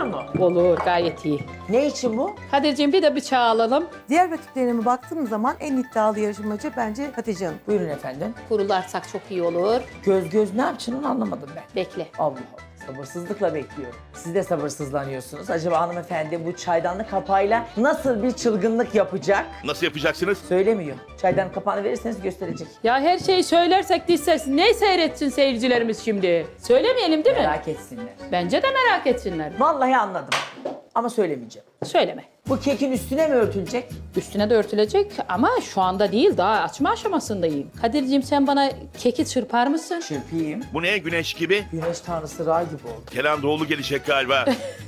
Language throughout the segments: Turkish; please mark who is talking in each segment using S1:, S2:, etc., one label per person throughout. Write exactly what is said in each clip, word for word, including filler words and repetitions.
S1: olur mu?
S2: Olur, gayet iyi.
S1: Ne için bu?
S2: Kadir'ciğim bir de bıçağı alalım.
S3: Diğer rakiplerime baktığım zaman en iddialı yarışmacı bence Hatice Hanım.
S1: Buyurun efendim.
S2: Kurularsak çok iyi olur.
S1: Göz göz ne yapacaksın onu anlamadım ben.
S2: Bekle.
S1: Allah Allah. Sabırsızlıkla bekliyorum. Siz de sabırsızlanıyorsunuz. Acaba hanımefendi bu çaydanlık kapağıyla nasıl bir çılgınlık yapacak?
S4: Nasıl yapacaksınız?
S1: Söylemiyor. Çaydanlık kapağını verirseniz gösterecek.
S2: Ya her şeyi söylersek diz ses ne seyretsin seyircilerimiz şimdi? Söylemeyelim değil mi?
S1: Merak etsinler.
S2: Bence de merak etsinler.
S1: Vallahi anladım. Ama söylemeyeceğim.
S2: Söyleme.
S1: Bu kekin üstüne mi örtülecek?
S2: Üstüne de örtülecek ama şu anda değil, daha açma aşamasındayım. Kadir'ciğim sen bana keki çırpar mısın?
S1: Çırpayım.
S4: Bu ne güneş gibi?
S1: Güneş tanrısı Ra gibi oldu.
S4: Kenan Doğulu gelecek galiba.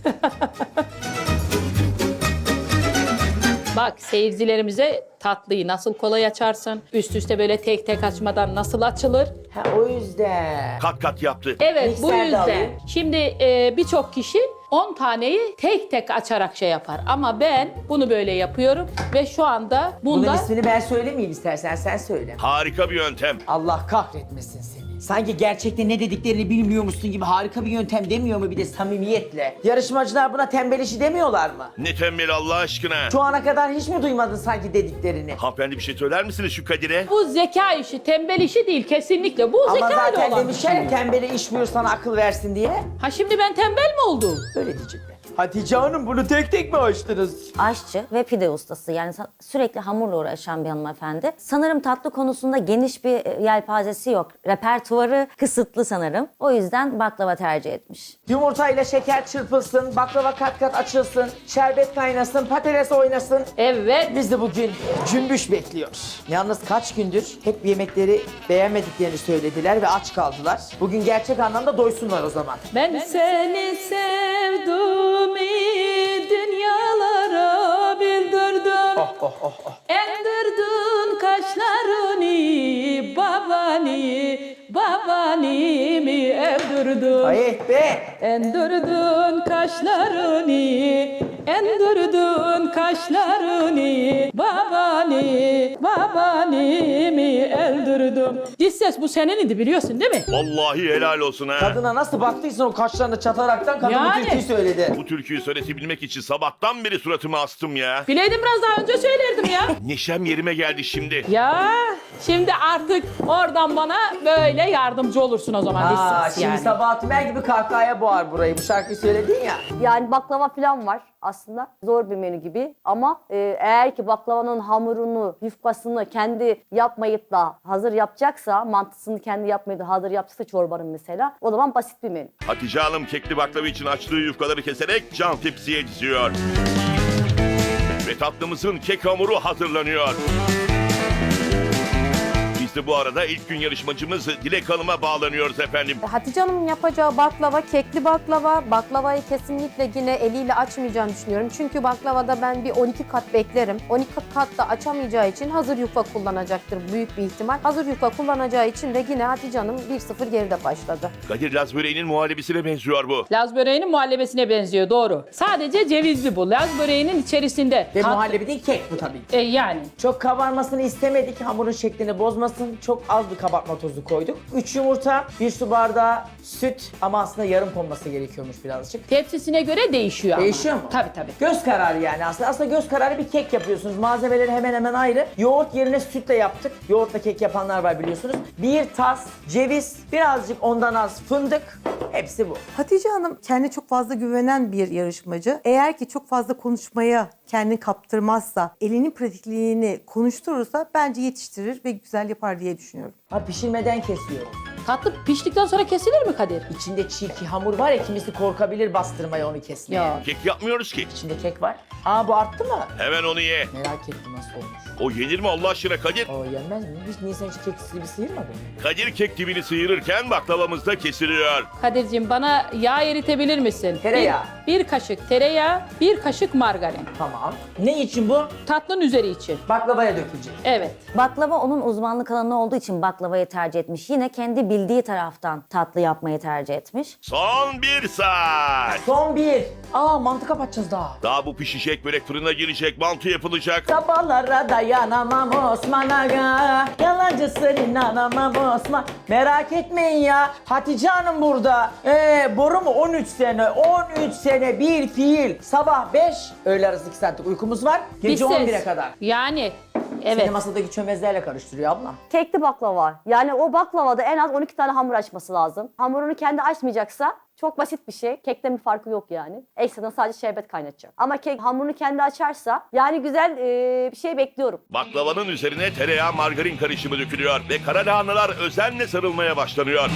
S2: Bak seyircilerimize tatlıyı nasıl kolay açarsın, üst üste böyle tek tek açmadan nasıl açılır?
S1: Ha o yüzden.
S4: Kat kat yaptı.
S2: Evet bu
S1: Mikserde
S2: yüzden.
S1: alayım.
S2: Şimdi e, birçok kişi on taneyi tek tek açarak şey yapar. Ama ben bunu böyle yapıyorum ve şu anda
S1: Bunun
S2: bunda...
S1: ismini ben söylemeyeyim istersen sen söyle.
S4: Harika bir yöntem.
S1: Allah kahretmesin seni. Sanki gerçekten ne dediklerini bilmiyormuşsun gibi harika bir yöntem demiyor mu bir de samimiyetle? Yarışmacılar buna tembel işi demiyorlar mı?
S4: Ne tembel Allah aşkına.
S1: Şu ana kadar hiç mi duymadın sanki dediklerini?
S4: Hanımefendi bir şey söyler misiniz şu Kadir'e?
S2: Bu zeka işi, tembel işi değil kesinlikle. Bu
S1: Ama
S2: zeka ile
S1: zaten
S2: olan bir
S1: demişler
S2: şey.
S1: ya tembele iş buyur sana akıl versin diye.
S2: Ha şimdi ben tembel mi oldum?
S1: Öyle diyecekler. Hatice Hanım bunu tek tek mi açtınız?
S5: Aşçı ve pide ustası, yani sa- sürekli hamurla uğraşan bir hanımefendi. Sanırım tatlı konusunda geniş bir e, yelpazesi yok. Repertuarı kısıtlı sanırım. O yüzden baklava tercih etmiş.
S1: Yumurtayla şeker çırpılsın, baklava kat kat açılsın, şerbet kaynasın, patates oynasın.
S2: Evet.
S1: Biz de bugün cümbüş bekliyoruz. Yalnız kaç gündür hep yemekleri beğenmediklerini söylediler ve aç kaldılar. Bugün gerçek anlamda doysunlar o zaman.
S2: Ben seni sevdim, dünyalara bildirdim.
S1: Oh oh oh oh.
S2: Endirdin kaşlarını, babani, babani mi evdirdin?
S1: Ayet be!
S2: Endirdin kaşlarını, endirdin kaşlarını, babani, babani mi eldirdim? Diz ses bu senin idi biliyorsun değil mi?
S4: Vallahi helal olsun ha.
S1: Kadına nasıl baktıysan o kaşlarını çataraktan kadın
S2: Yani.
S1: bu türküyü söyledi.
S4: Bu türküyü söyletebilmek için sabahtan beri suratımı astım ya.
S2: Bileydim biraz daha önce söylerdim ya.
S4: Neşem yerime geldi şimdi.
S2: Ya şimdi artık oradan bana böyle yardımcı olursun o zaman diz
S1: Aa,
S2: ses
S1: şimdi
S2: yani.
S1: Sabahat Tümer gibi kahkahaya boğar burayı. Bu şarkıyı söyledin ya.
S5: Yani baklava falan var aslında. Zor bir menü gibi. Ama e, eğer ki baklavanın hamurunu, yufkasını kendi yapmayıp da hazır yapacaksa, mantısını kendi yapmayıp da hazır yapacaksa çorbanın mesela, o zaman basit bir menü.
S4: Hatice Hanım kekli baklava için açtığı yufkaları keserek cam tepsiye diziyor. Ve tatlımızın kek hamuru hazırlanıyor. Biz de bu arada ilk gün yarışmacımız Dilek Hanım'a bağlanıyoruz efendim.
S6: Hatice Hanım'ın yapacağı baklava, kekli baklava. Baklavayı kesinlikle yine eliyle açmayacağını düşünüyorum. Çünkü baklavada ben bir on iki kat beklerim. on iki kat da açamayacağı için hazır yufka kullanacaktır büyük bir ihtimal. Hazır yufka kullanacağı için de yine Hatice Hanım bir sıfır geride başladı.
S4: Kadir Laz böreğinin muhallebisine benziyor bu.
S2: Laz böreğinin muhallebesine benziyor doğru. Sadece cevizli bu. Laz böreğinin içerisinde.
S1: Ve
S2: tat-
S1: muhallebi değil kek bu tabii ki.
S2: E, yani.
S1: Çok kabarmasını istemedik, hamurun şeklini bozmasın. Çok az bir kabartma tozu koyduk. üç yumurta, bir su bardağı süt ama aslında yarım konması gerekiyormuş birazcık.
S2: Tepsisine göre değişiyor ama.
S1: Değişiyor mu?
S2: Tabii tabii.
S1: Göz kararı yani aslında. Aslında göz kararı bir kek yapıyorsunuz. Malzemeleri hemen hemen ayrı. Yoğurt yerine sütle yaptık. Yoğurtla kek yapanlar var biliyorsunuz. Bir tas ceviz, birazcık ondan az fındık. Hepsi bu.
S3: Hatice Hanım kendine çok fazla güvenen bir yarışmacı. Eğer ki çok fazla konuşmaya kendini kaptırmazsa, elinin pratikliğini konuşturursa bence yetiştirir ve güzel yapar diye düşünüyorum.
S1: Ha pişirmeden kesiyorum.
S2: Tatlı piştikten sonra kesilir mi Kadir?
S1: İçinde çiğ ki hamur var ya kimisi korkabilir bastırmaya onu kesmeye.
S2: Ya.
S4: Kek yapmıyoruz ki.
S1: İçinde kek var. Aa bu arttı mı?
S4: Hemen onu ye.
S1: Merak ettim nasıl olmuş.
S4: O yenir mi Allah aşkına Kadir?
S1: O yenmez mi? Hiç Nisan hiç kek gibi sıyırmadı mı?
S4: Kadir kek dibini sıyırırken baklavamız da kesiliyor.
S2: Kadir'cim bana yağ eritebilir misin?
S1: Tereyağı.
S2: Bir, bir kaşık tereyağı, bir kaşık margarin.
S1: Tamam. Ne için bu?
S2: Tatlının üzeri için.
S1: Baklavaya dökülecek.
S2: Evet.
S5: Baklava onun uzmanlık alanı olduğu için baklavayı tercih etmiş. Yine kendi bildiği taraftan tatlı yapmayı tercih etmiş.
S4: Son bir saat.
S1: Son bir. Aa mantı kapatacağız daha.
S4: Daha bu pişecek, börek fırına girecek, mantı yapılacak.
S1: Sabahlara dayanamam Osman Aga. Yalancısın inanamam Osman. Merak etmeyin ya. Hatice Hanım burada. Ee, boru mu? on üç sene. on üç sene bir fiil. Sabah beş. Öğle arası iki saatlik uykumuz var.
S2: Bir
S1: Gece
S2: ses.
S1: on bire kadar.
S2: Yani evet.
S1: Seni masadaki çömezlerle karıştırıyor abla.
S5: Kekli baklava. Yani o baklavada en az on iki tane hamur açması lazım. Hamurunu kendi açmayacaksa çok basit bir şey. Kekten bir farkı yok yani. Ekstradan sadece şerbet kaynatacak. Ama kek hamurunu kendi açarsa yani güzel e, bir şey bekliyorum.
S4: Baklavanın üzerine tereyağı margarin karışımı dökülüyor ve kara lahanalar özenle sarılmaya başlanıyor.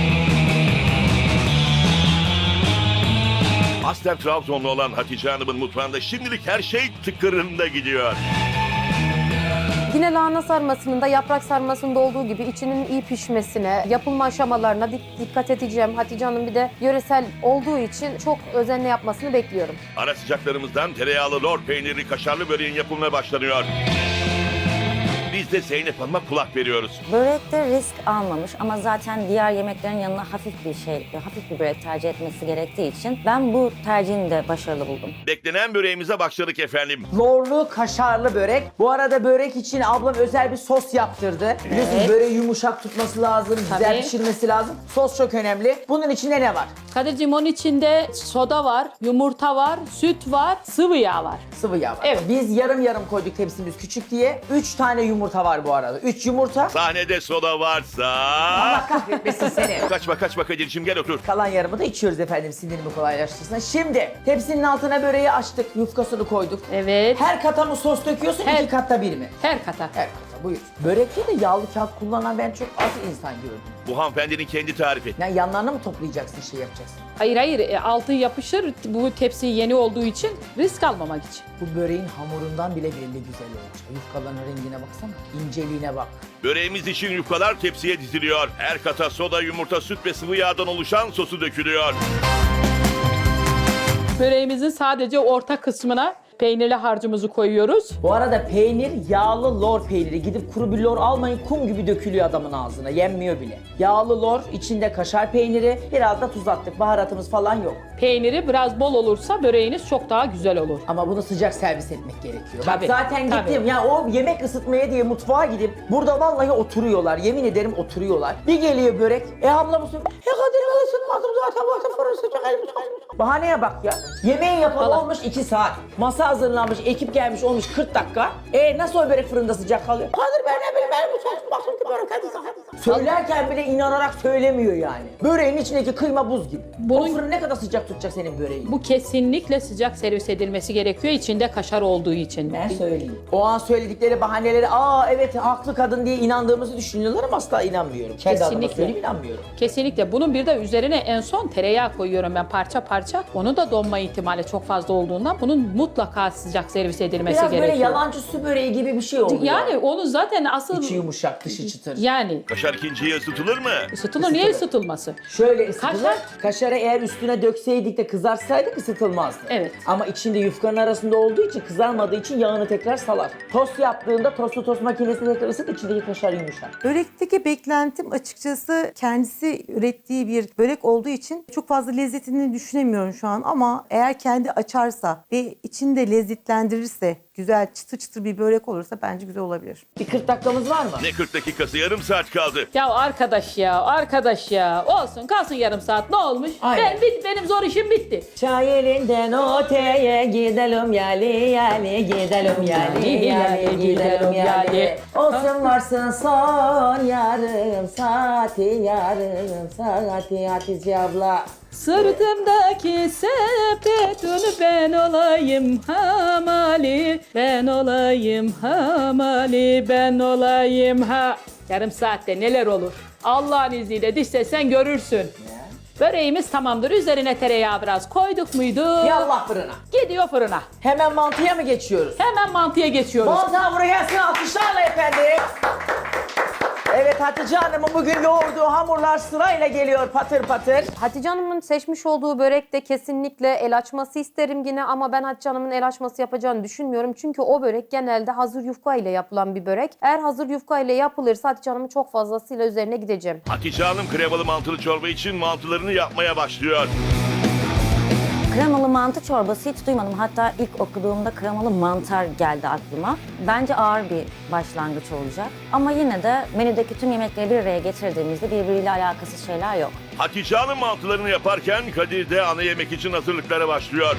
S4: Aslen Trabzonlu olan Hatice Hanım'ın mutfağında şimdilik her şey tıkırında gidiyor.
S6: Yine lahana sarmasının da yaprak sarmasında olduğu gibi içinin iyi pişmesine, yapılma aşamalarına dik- dikkat edeceğim. Hatice Hanım bir de yöresel olduğu için çok özenle yapmasını bekliyorum.
S4: Ara sıcaklarımızdan tereyağlı lor peynirli kaşarlı böreğin yapımına başlanıyor. Biz de Zeynep Hanım'a kulak veriyoruz.
S7: Börekte risk almamış ama zaten diğer yemeklerin yanına hafif bir şey, hafif bir börek tercih etmesi gerektiği için ben bu tercihini de başarılı buldum.
S4: Beklenen böreğimize başladık efendim.
S1: Lorlu kaşarlı börek. Bu arada börek için ablam özel bir sos yaptırdı. Biliyorsunuz böreği yumuşak tutması lazım, güzel
S2: Tabii.
S1: pişirmesi lazım. Sos çok önemli. Bunun içinde ne var?
S2: Kadir'cim onun içinde soda var, yumurta var, süt var, sıvı yağ var.
S1: Sıvı yağ var.
S2: Evet.
S1: Biz yarım yarım koyduk tepsimiz küçük diye. Üç tane yumurta var bu arada. Üç yumurta.
S4: Sahnede soda varsa...
S1: Allah kahretmesin seni.
S4: Kaçma kaçma Kadir'cim gel otur.
S1: Kalan yarımı da içiyoruz efendim sindirimi kolaylaştırsın. Şimdi tepsinin altına böreği açtık. Yufkasını koyduk.
S2: Evet.
S1: Her kata mı sos döküyorsun?
S2: Her-
S1: iki katta bir mi?
S2: Her kata.
S1: Her kata buyur. Börekte de yağlı kağıt kullanan ben çok az insan gördüm.
S4: Bu hanımefendinin kendi tarifi.
S1: Yani yanlarına mı toplayacaksın şey yapacaksın?
S2: Hayır hayır e, altı yapışır bu tepsi yeni olduğu için risk almamak için.
S1: Bu böreğin hamurundan bile belli güzel olacak. Yufkaların rengine baksana. İnceliğine bak.
S4: Böreğimiz için yufkalar tepsiye diziliyor. Her kata soda, yumurta, süt ve sıvı yağdan oluşan sosu dökülüyor.
S2: Böreğimizin sadece orta kısmına peynirli harcımızı koyuyoruz.
S1: Bu arada peynir yağlı lor peyniri. Gidip kuru bir lor almayın, kum gibi dökülüyor adamın ağzına. Yenmiyor bile. Yağlı lor, içinde kaşar peyniri. Biraz da tuz attık. Baharatımız falan yok.
S2: Peyniri biraz bol olursa böreğiniz çok daha güzel olur.
S1: Ama bunu sıcak servis etmek gerekiyor.
S2: Tabii,
S1: Bak zaten
S2: tabii.
S1: gittim ya o yemek ısıtmaya diye mutfağa gidip burada vallahi oturuyorlar. Yemin ederim oturuyorlar. Bir geliyor börek. E abla mısın? E Kadir ben ısıtmadım zaten. Zaten fırın sıcak elim sıcak. Bahaneye bak ya. Yemeğin yapalı
S2: Allah.
S1: olmuş iki saat. Masa hazırlanmış, ekip gelmiş olmuş kırk dakika. E nasıl o börek fırında sıcak kalıyor? Kadir ben ne bileyim benim bu sos baktım ki börek hadi hadi. Söylerken bile inanarak söylemiyor yani. Böreğin içindeki kıyma buz gibi.
S2: Bunun-
S1: O fırın ne kadar sıcak tutacak senin böreğin?
S2: Bu kesinlikle sıcak servis edilmesi gerekiyor içinde kaşar olduğu için.
S1: Ben söyleyeyim. O an söyledikleri bahaneleri aa evet haklı kadın diye inandığımızı düşünüyorlar ama asla inanmıyorum. Kendi adıma
S2: Kesinlikle.
S1: söyleyeyim inanmıyorum.
S2: Kesinlikle. Bunun bir de üzerine en son tereyağı koyuyorum ben parça parça. Onu da donma ihtimali çok fazla olduğundan bunun mutlaka sıcak servis edilmesi
S1: Biraz
S2: gerekiyor.
S1: böyle yalancı su böreği gibi bir şey oluyor.
S2: Yani onu zaten asıl
S1: İçi yumuşak, dışı çıtır.
S2: yani
S4: Kaşar ikinciye ısıtılır mı?
S2: ısıtılır. Niye ısıtılması?
S1: Şöyle ısıtılır.
S2: Kaşar-
S1: Kaşarı eğer üstüne dökseydik de kızartsaydık ısıtılmazdı.
S2: Evet.
S1: Ama içinde yufkanın arasında olduğu için kızarmadığı için yağını tekrar salar. Tost yaptığında tostu tost makinesinde tekrar ısıt içindeki kaşar yumuşak.
S3: Börekteki beklentim açıkçası kendisi ürettiği bir börek olduğu için çok fazla lezzetini düşünemiyorum şu an ama eğer kendi açarsa ve içinde lezzetlendirirse, güzel çıtır çıtır bir börek olursa bence güzel olabilir.
S1: Bir kırk dakikamız var mı?
S4: Ne kırk dakikası, yarım saat kaldı.
S2: Ya arkadaş ya, arkadaş ya. Olsun kalsın yarım saat ne olmuş?
S1: Aynen.
S2: Ben bit benim zor işim bitti.
S1: Çay elinden öteye gidelim yali yali gidelim yali yali gidelim yali. Olsun varsın son yarım saati yarım saati Hatice abla.
S2: Sırtımdaki sepetunu ben olayım hamali, ben olayım hamali, ben olayım ha. Yarım saatte neler olur? Allah'ın izniyle diş sen görürsün. Böreğimiz tamamdır. Üzerine tereyağı biraz koyduk muydu?
S1: Yallah fırına.
S2: Gidiyor fırına.
S1: Hemen mantıya mı geçiyoruz?
S2: Hemen mantıya geçiyoruz.
S1: Mantı hamuru gelsin alkışlarla efendim. Evet Hatice Hanım'ın bugün yoğurduğu hamurlar sırayla geliyor patır patır.
S6: Hatice Hanım'ın seçmiş olduğu börekte kesinlikle el açması isterim yine ama ben Hatice Hanım'ın el açması yapacağını düşünmüyorum. Çünkü o börek genelde hazır yufka ile yapılan bir börek. Eğer hazır yufka ile yapılırsa Hatice Hanım'ın çok fazlasıyla üzerine gideceğim.
S4: Hatice Hanım kremalı mantılı çorba için mantılarını yapmaya başlıyor.
S7: Kremalı mantı çorbası hiç duymadım. Hatta ilk okuduğumda kremalı mantar geldi aklıma. Bence ağır bir başlangıç olacak. Ama yine de menüdeki tüm yemekleri bir araya getirdiğimizde birbiriyle alakasız şeyler yok.
S4: Hatice Hanım mantılarını yaparken Kadir de ana yemek için hazırlıklara başlıyor.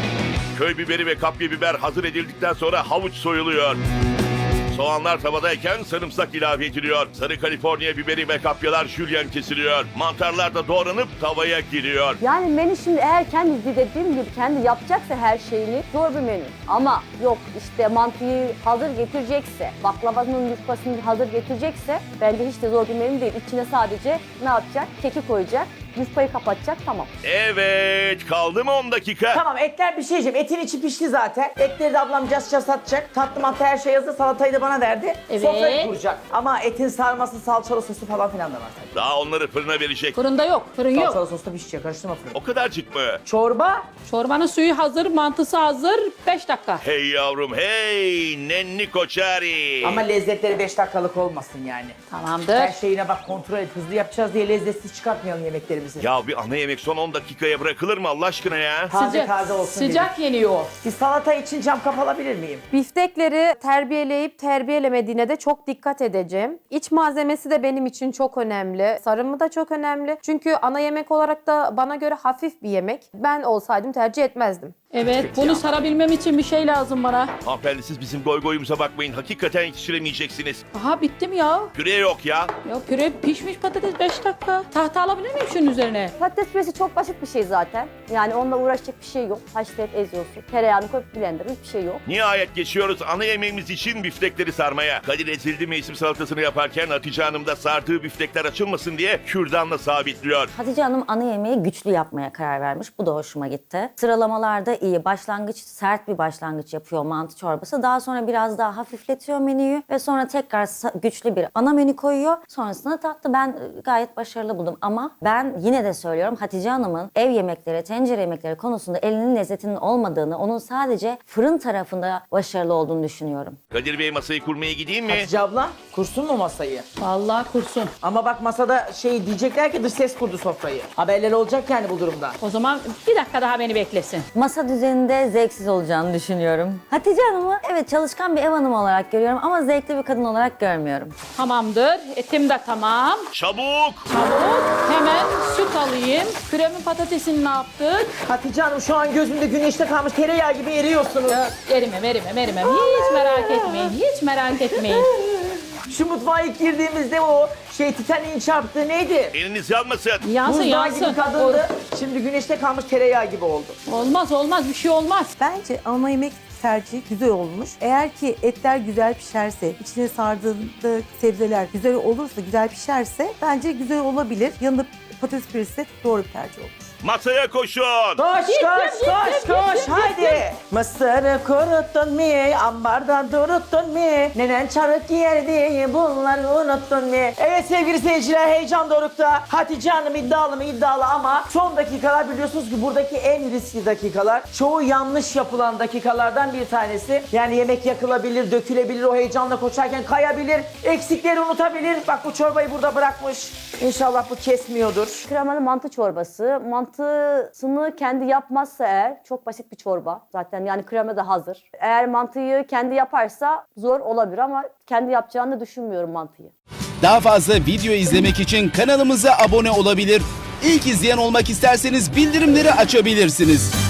S4: Köy biberi ve kapya biber hazır edildikten sonra havuç soyuluyor. Soğanlar tavadayken sarımsak ilave ediliyor. Sarı Kaliforniya biberi ve kapyalar jülyen kesiliyor. Mantarlar da doğranıp tavaya giriyor.
S5: Yani menü şimdi eğer kendi dediğim gibi kendi yapacaksa her şeyini zor bir menü. Ama yok işte mantıyı hazır getirecekse, baklavanın yufkasını hazır getirecekse bence hiç de zor bir menü değil. İçine sadece ne yapacak? Keki koyacak, yufkayı kapatacak, tamam.
S4: Evet, kaldı mı on dakika?
S1: Tamam, etler bir şey diyeceğim. Etin içi pişti zaten. Etleri de ablam casça satacak. Tatlı mantı her şey hazır. Salatayı da bana verdi.
S2: Evet.
S1: Sofrayı kuracak. Ama etin sarması, salçalı sosu falan filan da var tabii.
S4: Daha onları fırına verecek.
S2: Fırında yok, fırın yok.
S1: Salçalı sos da pişecek. Karıştırma fırını.
S4: O kadarcık mı?
S1: Çorba.
S2: Çorbanın suyu hazır, mantısı hazır. beş dakika.
S4: Hey yavrum hey, nenni koçari.
S1: Ama lezzetleri beş dakikalık olmasın yani.
S2: Tamamdır.
S1: Her şeyine bak, kontrol et. Hızlı yapacağız diye lezzetsiz çıkartmayalım yemeklerimizi.
S4: Ya bir ana yemek son on dakikaya bırakılır mı Allah aşkına ya?
S1: Taze
S2: Sıcak,
S1: taze olsun
S2: sıcak yeniyor.
S1: Bir salata için cam kap alabilir miyim?
S6: Biftekleri terbiyeleyip terbiyelemediğine de çok dikkat edeceğim. İç malzemesi de benim için çok önemli. Sarımı da çok önemli. Çünkü ana yemek olarak da bana göre hafif bir yemek. Ben olsaydım tercih etmezdim.
S2: Evet, bunu sarabilmem için bir şey lazım bana.
S4: Hanımefendi siz bizim goy goyumuza bakmayın. Hakikaten yetiştiremeyeceksiniz.
S2: Aha bitti mi ya?
S4: Püre yok ya.
S2: Ya püre pişmiş patates beş dakika. Tahta alabilir miyim şunun üzerine?
S5: Patates püresi çok basit bir şey zaten. Yani onunla uğraşacak bir şey yok. Haşlayıp eziyorsun. Tereyağını koyup blenderın, hiçbir şey yok.
S4: Nihayet geçiyoruz ana yemeğimiz için biftekleri sarmaya. Kadir ezildi mevsim salatasını yaparken Hatice Hanım da sardığı biftekler açılmasın diye kürdanla sabitliyor.
S7: Hatice Hanım ana yemeği güçlü yapmaya karar vermiş. Bu da hoşuma gitti. Sıralamalarda iyi. Başlangıç sert bir başlangıç yapıyor mantı çorbası. Daha sonra biraz daha hafifletiyor menüyü ve sonra tekrar sa- güçlü bir ana menü koyuyor. Sonrasında tatlı ben e, gayet başarılı buldum. Ama ben yine de söylüyorum Hatice Hanım'ın ev yemekleri, tencere yemekleri konusunda elinin lezzetinin olmadığını, onun sadece fırın tarafında başarılı olduğunu düşünüyorum.
S4: Kadir Bey masayı kurmaya gideyim mi?
S1: Hatice abla kursun mu masayı?
S2: Vallahi kursun.
S1: Ama bak masada şey diyecekler ki dış ses kurdu sofrayı. Haberler olacak yani bu durumda.
S2: O zaman bir dakika daha beni beklesin.
S7: Masa düzeninde zevksiz olacağını düşünüyorum. Hatice Hanım'ı evet çalışkan bir ev hanımı olarak görüyorum ama zevkli bir kadın olarak görmüyorum.
S2: Tamamdır. Etim de tamam.
S4: Çabuk!
S2: Çabuk. Hemen süt alayım. Püremin patatesini ne yaptık?
S1: Hatice Hanım şu an gözümde güneşte kalmış tereyağı gibi eriyorsunuz.
S2: Ya, erimem, erimem, erimem. Hiç merak etmeyin, hiç merak etmeyin.
S1: Şu mutfağa ilk girdiğimizde o şey Titanic'in çarptığı neydi?
S4: Eliniz yanmasın.
S2: Yansın,
S1: Buzdağı
S2: yansın.
S1: gibi kadındı. Şimdi güneşte kalmış tereyağı gibi oldu.
S2: Olmaz, olmaz. Bir şey olmaz.
S3: Bence ana yemek tercihi güzel olmuş. Eğer ki etler güzel pişerse, içine sardığında sebzeler güzel olursa, güzel pişerse bence güzel olabilir. Yanında patates püresi de doğru bir tercih olmuş.
S4: Masaya koşun!
S1: Koş koş koş koş haydi. Mısırı kuruttun mu? Ambarda duruttun mu? Nenen çarık yerdi bunları unuttun mu? Evet sevgili seyirciler heyecan dorukta. Hatice Hanım iddialı mı iddialı ama son dakikalar biliyorsunuz ki buradaki en riskli dakikalar. Çoğu yanlış yapılan dakikalardan bir tanesi. Yani yemek yakılabilir, dökülebilir, o heyecanla koşarken kayabilir, eksikleri unutabilir. Bak bu çorbayı burada bırakmış. İnşallah bu kesmiyordur.
S5: Kremalı mantı çorbası. Mantısını kendi yapmazsa eğer çok basit bir çorba. Zaten yani krema da hazır. Eğer mantıyı kendi yaparsa zor olabilir ama kendi yapacağını düşünmüyorum mantıyı.
S8: Daha fazla video izlemek için kanalımıza abone olabilir. İlk izleyen olmak isterseniz bildirimleri açabilirsiniz.